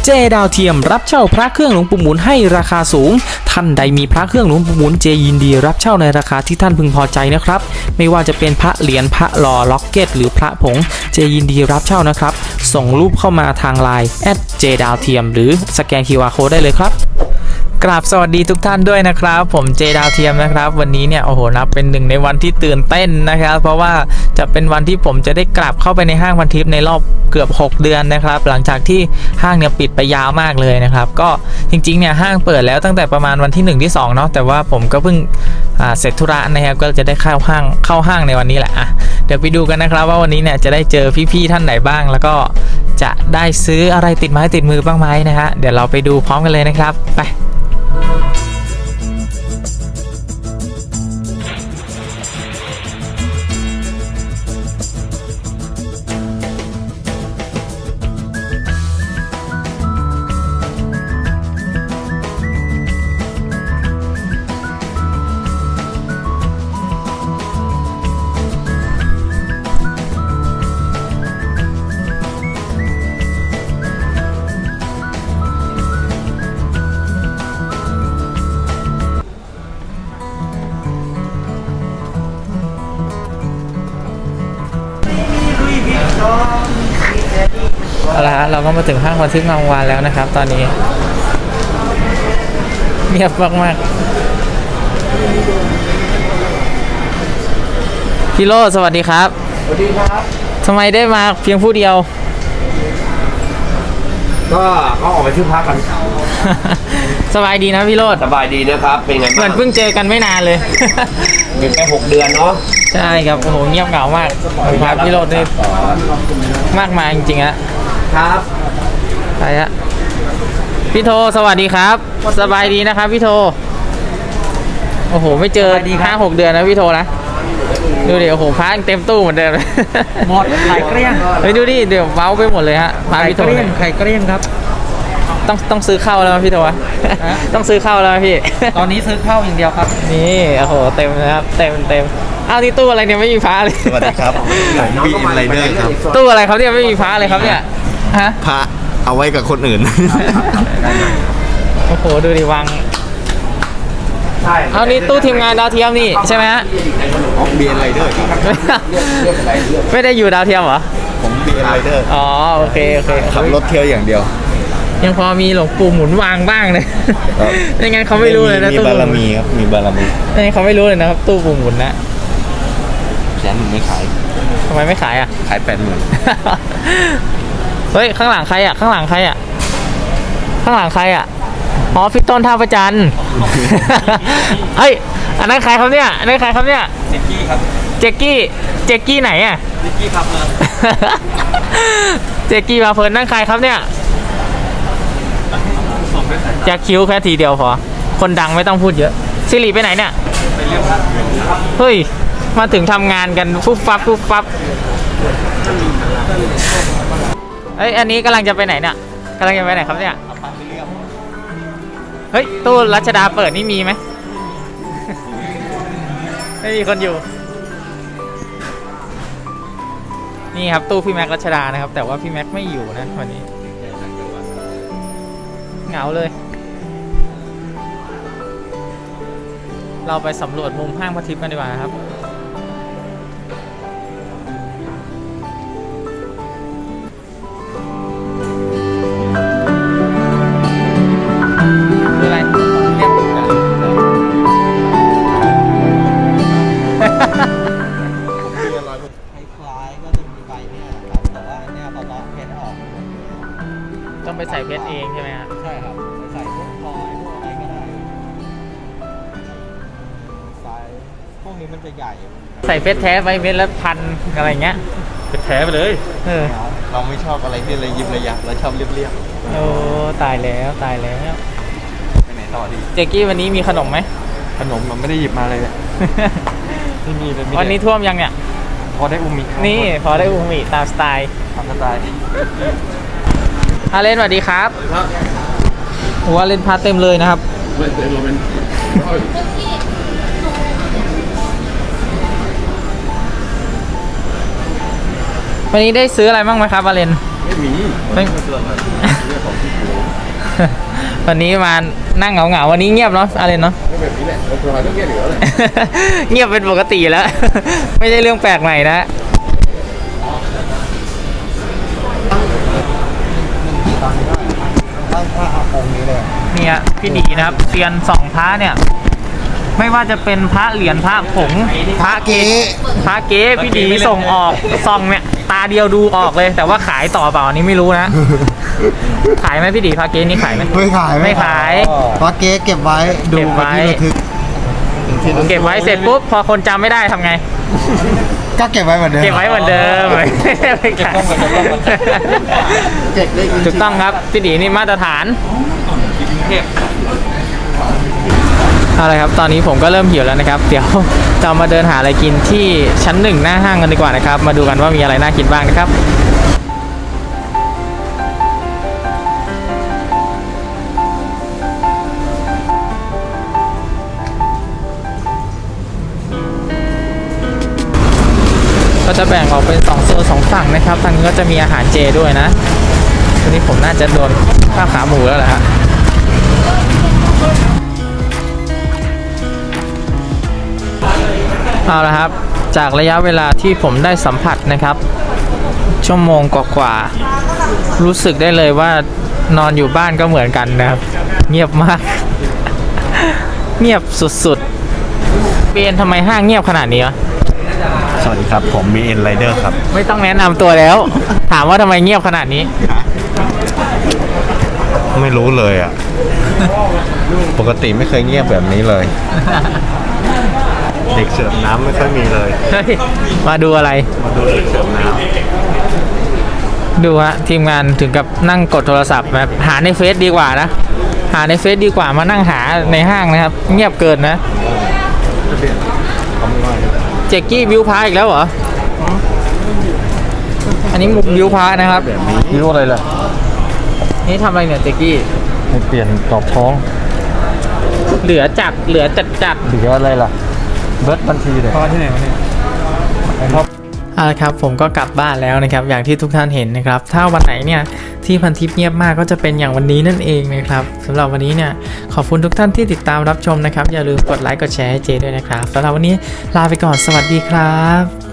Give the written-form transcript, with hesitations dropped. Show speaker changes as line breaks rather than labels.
เจดาวเทียมรับเช่าพระเครื่องหลวงปู่หมุนให้ราคาสูงท่านใดมีพระเครื่องหลวงปู่หมุนเจยินดีรับเช่าในราคาที่ท่านพึงพอใจนะครับไม่ว่าจะเป็นพระเหรียญพระหล่อล็อกเก็ตหรือพระผงเจยินดีรับเช่านะครับส่งรูปเข้ามาทางไลน์เจดาวเทียมหรือสแกน QR Code ได้เลยครับกราบสวัสดีทุกท่านด้วยนะครับผมเจดาวเทียมนะครับวันนี้เนี่ยโอ้โหนับเป็นหนึ่งในวันที่ตื่นเต้นนะครับเพราะว่าจะเป็นวันที่ผมจะได้กลับเข้าไปในห้างพันทิพย์ในรอบเกือบ6เดือนนะครับหลังจากที่ห้างเนี่ยปิดไปยาวมากเลยนะครับก็จริงๆเนี่ยห้างเปิดแล้วตั้งแต่ประมาณวันที่1ที่2เนาะแต่ว่าผมก็เพิ่งเสร็จธุระนะครับก็จะได้เข้าห้างในวันนี้แหละเดี๋ยวไปดูกันนะครับว่าวันนี้เนี่ยจะได้เจอพี่ๆท่านไหนบ้างแล้วก็จะได้ซื้ออะไรติดไม้ติดมือบ้างไหมนะฮะเดี๋ยวเราไปดูพร้อมกันเลยนะครับไปเอาละฮะเราก็มาถึงห้างพันทิพย์งามวงศ์วานแล้วนะครับตอนนี้เงียบมากๆพี่โรจน์สวัสดีครับ
สวัสดีครับ
ทำไมได้มาเพียงผู้เดียว
ก็เขาออกไปซื้อพักกัน
สบายดีนะพี่โรจน์
สบายดีนะครับเป็นไงบ้าง
เหมือนเพิ่งเจอกันไม่นานเลย
เป็นแค่6 เดือนเนาะ
ใช่ครับโอ้โหเงียบเหงามากครับพี่โรจน์นี่มากมายจริงๆฮะ
ครับ
ไปฮะพี่โทสวัสดีครับสบายดีนะครับพี่โทโอ้โหไม่เจอ5-6 เดือนนะพี่โทนะดูดิโอ้โหพาเต็มตู้เหมือนเดิม
หมดไข่เกลี้ยง
เฮ้ยดูดิเดี๋ยวเมาไปหมดเลยฮะพาพี่โท
ไข่เกลี้ยงครับ
ต้องซื้อข้าวแล้วพี่โทวะต้องซื้อข้าวแล้วพี่
ตอนนี้ซื้อข้าวอย่างเดียวครับ
นี่โอ้โหเต็มนะครับเต็มอ้าวนี่ตู้อะไรเนี่ยไม่มีพระเลย
สวัสดีครับผมบีอินไรเดอร์ครับ
ตู้อะไรครับเนี่ยไม่มีพระเลยครับเนี่ยฮะ
พระเอาไว้กับคนอื่น
โอ้โหดูดิวางเอานี่ตู้ทีมงานดาวเทียมนี่ใช่ไหมฮะ
บีอินไรเดอร์
ไม่ได้อยู่ดาวเทียมเหรอ
ผมบีอินไรเดอร์
อ๋อโอเค
ขับรถเที่ยวอย่างเดียว
ยังพอมีหลวงปู่หมุนวางบ้างเลยไม่งั้นเขาไม่รู้เลยนะ
ตู้มีบารมีครับมีบารมี
ไม่งั้นเขาไม่รู้เลยนะครับตู้ปู่หมุนนะ
100,000ไม่ขาย
ทำไมไม่ขายอ่ะ
ขาย80,000
เฮ้ยข้างหลังใครอ่ะข้างหลังใครอ่ะอ๋อพี่ต้นท่าประจันเฮ้ยอันนั้นใครครับเนี่ยเจกกี้ครับเจกกี้ไหนอ่ะเจกกี้พาเพลินเจกกี้พาเพลินนั่นใครครับเนี่ยจะคิ้วแค่ทีเดียวพอคนดังไม่ต้องพูดเยอะสิริไปไหนเนี่ยไปเรียกพระเฮ้ยมาถึงทำงานกันฟุบฟับเอ้ยอันนี้กำลังจะไปไหนเนี่ยครับเนี่ยเฮ้ยตู้รัชดาเปิดนี่มีไหม ไม่มีคนอยู่นี่ครับตู้พี่แม็กรัชดานะครับแต่ว่าพี่แม็กไม่อยู่นะวันนี้เหงาเลยเราไปสำรวจมุมห้างพันทิพย์กันดีกว่าครับอะไรเรียบกัน
คล้ายๆก็จะมีใบเนี่ยครับแต่ว่าเนี่ยพอเลาะเพชรออก
ต้องไปใส่เพชรเองใช่ไหมครับ
ใช่ครับใส่พวกพลอยพวกอะไรก็ได้ใส่พวกนี้มันจะใหญ่
ใส่เพชรแท้ไปเม็ดละ1,000อะไรเงี้ย
เพชรแท้ไปเลย
เราไม่ชอบอะไรที่ระยิบระยับเราชอบเรียบ
โอ้ตายแล้ว
ไปไหนต่อดี
เจกกี้วันนี้มีขนมไหม
ขนมมันไม่ได้หยิบมาเลย
ไม่มีเลยวันนี้ท่วมยังเนี่ย
พอได้อูมิ
นี่พอได้อูมิตามสไตล์อาเลนสวัสดีครับหัวเลนพาเต็มเลยนะครับวันนี้ได้ซื้ออะไรบ้างไหมครับอาเลน
ไม่มี
วันนี้มานั่งเหงาๆวันนี้เงียบเนาะอะไรเนาะ
แบบนี้แหละเราต้องเงียบอยู่แล้ว
เงียบเป็นปกติแล้ว ไม่ใช่เรื่องแปลกใหม่นะ
ตั้งพระองค์นี้เลย
เนี่ยพี่ดีนะครับเซียนสองพระเนี่ย ไม่ว่าจะเป็นพระเหรียญพระผงพระเก๊พระเก๊พี่ดีส่งออกซองเนี่ยตาเดียวดูออกเลย แต่ว่าขายต่อเปล่าอันนี้ไม่รู้นะ ขายไหมพี่ดีพระเก๊นี่ขายไหม
ไม่ขาย
ไม่ขาย
พระเก๊เก็บไว้ดู
เก็บไว้
เป็นที่ระทึก
เก็บไว้เสร็จปุ๊บพอคนจำไม่ได้ทำไง
ก็เก็บไว้เหมือนเดิม
เก็บไว้เหมือนเดิมไม่ขาย
เก็บได้จริงๆ
ถูกต้องครับพี่ดีนี่มาตรฐานเอาละครับตอนนี้ผมก็เริ่มหิวแล้วนะครับ เดี๋ยวเรามาเดินหาอะไรกินที่ชั้น 1หน้าห้างกันดีกว่านะครับมาดูกันว่ามีอะไรน่ากินบ้างนะครับก็จะแบ่งออกเป็น2โซน2ฝั่งนะครับทางนี้ก็จะมีอาหารเจด้วยนะวันนี้ผมน่าจะโดนข้าวขาหมูแล้วแหละฮะเอาละครับจากระยะเวลาที่ผมได้สัมผัสนะครับชั่วโมงกว่าๆรู้สึกได้เลยว่านอนอยู่บ้านก็เหมือนกันนะครับเงียบมาก เงียบสุดๆเบนทำไมห้างเงียบขนาดนี้วะ
สวัสดีครับ ผมมีเอ็นไรเดอร์ครับ
ไม่ต้องแนะนำตัวแล้ว ถามว่าทำไมเงียบขนาดนี้
ไม่รู้เลยอ่ะ ปกติไม่เคยเงียบแบบนี้เลย เด็กเสิร์ฟน้ำไม่ค่อยมีเลย
เฮ้ยมาดูอะไร
มาดูเด็กเสิร์ฟน้
ดูฮะทีมงานถึงกับนั่งกดโทรศัพท์แบบหาในเฟซดีกว่านะ หาในเฟซดีกว่ามานั่งหาในห้างนะครับ เงียบเกินนะ เจกกี้บิวพาอีกแล้วเหรอ อันนี้มุกบิวพานะครับ
ำนี่รู้อะไรล่ะ
นี่ทำอะไรเนี่ยเจกกี้
ให้เปลี่ยนตอบท้อง
เหลือจัดจัด
หรืออะไรล่ะ เบิร์ดบัญชีเลยพอที่ไหนวะเนี่ย
เอาละครับผมก็กลับบ้านแล้วนะครับอย่างที่ทุกท่านเห็นนะครับถ้าวันไหนเนี่ยที่พันทิปเงียบมากก็จะเป็นอย่างวันนี้นั่นเองนะครับสำหรับวันนี้เนี่ยขอบคุณทุกท่านที่ติดตามรับชมนะครับอย่าลืมกดไลค์กดแชร์ให้เจด้วยนะครับสำหรับวันนี้ลาไปก่อนสวัสดีครับ